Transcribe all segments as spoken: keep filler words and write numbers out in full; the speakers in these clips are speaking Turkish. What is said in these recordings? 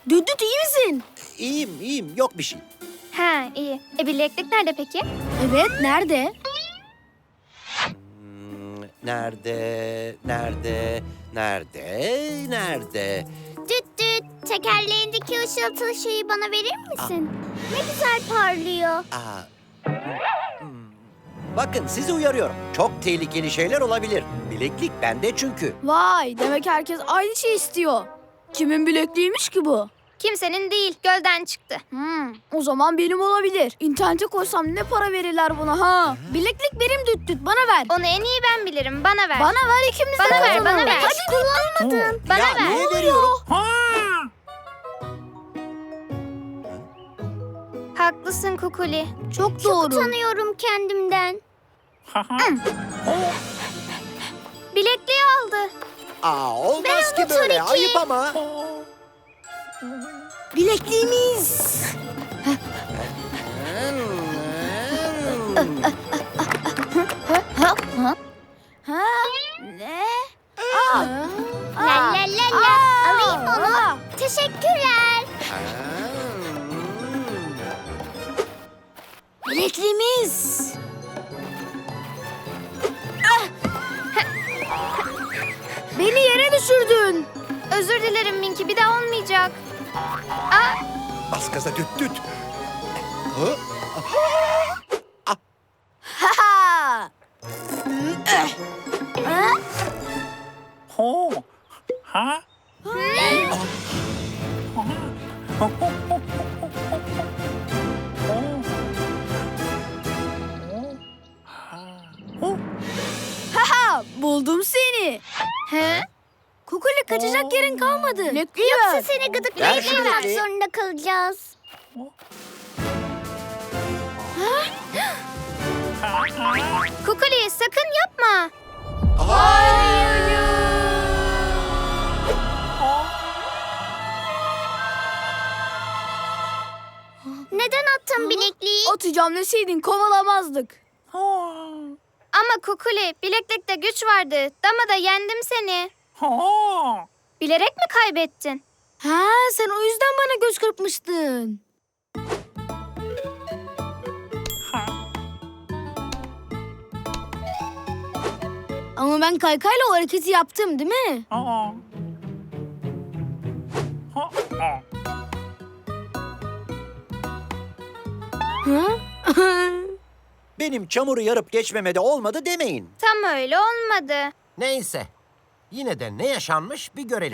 Düt düt iyi misin? İyiyim, iyiyim. Yok bir şey. Ha iyi. E bileklik nerede peki? Evet, nerede? Hmm, nerede, nerede, nerede, nerede? Düt düt, tekerleğindeki ışıltılı şeyi bana verir misin? Ne güzel parlıyor. Aa, hmm. Bakın sizi uyarıyorum. Çok tehlikeli şeyler olabilir. Bileklik bende çünkü. Vay, demek herkes aynı şey istiyor. Kimin bilekliğiymiş ki bu? Kimsenin değil. Gölden çıktı. Hmm, o zaman benim olabilir. İnternete koysam ne para verirler buna ha? Bileklik benim düt düt, bana ver. Onu en iyi ben bilirim. Bana ver. Bana ver, ikimiz de Bana ver, kazanalım. bana ver. Hadi kullanmadın. Bana ya ver. niye veriyorum? Haklısın Kukuli. Çok doğru. Utanıyorum kendimden. Bilekliği aldı. Aa, olmaz Ben ki onu böyle. tabii ki- Ayıp ama. Bilekliğimiz. Ha? Ne? Aa. La la la la. Alayım onu. Aa. Teşekkürler. Bilekliğimiz. Ah! Beni yere düşürdün. Özür dilerim Minki. Bir daha olmayacak. Aa, Bas gaza düt düt. Hı? Ha ha. Ha? Ho. Ha? Ha ha. Buldum seni. he? Kukuli kaçacak yerin kalmadı. Bilekliği Yoksa ver. seni Ver gıdıklayıp şu yapmak bilekliği. zorunda kalacağız. Kukuli sakın yapma. Neden attın bilekliği? Atacağım deseydin kovalamazdık. Ama Kukuli bileklikte güç vardı. Damada yendim seni. Bilerek mi kaybettin? Ha, sen o yüzden bana göz kırpmıştın. Ama ben kaykayla o hareketi yaptım değil mi? Hı? Benim çamuru yarıp geçmeme de olmadı demeyin. Tam öyle olmadı. Neyse. Yine de ne yaşanmış bir görelim.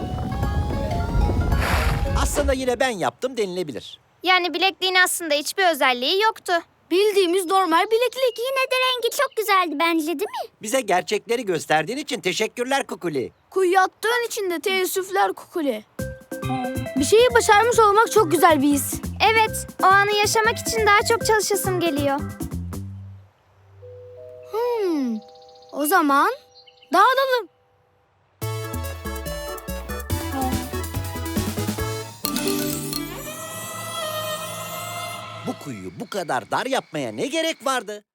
Aslında yine ben yaptım denilebilir. Yani bilekliğin aslında hiçbir özelliği yoktu. Bildiğimiz normal bileklik. Yine de rengi çok güzeldi bence değil mi? Bize gerçekleri gösterdiğin için teşekkürler Kukuli. Kuyuya attığın için de teessüfler Kukuli. Bir şeyi başarmış olmak çok güzel bir his. Evet, o anı yaşamak için daha çok çalışasım geliyor. Hmm, o zaman dağılalım. Bu kuyuyu bu kadar dar yapmaya ne gerek vardı?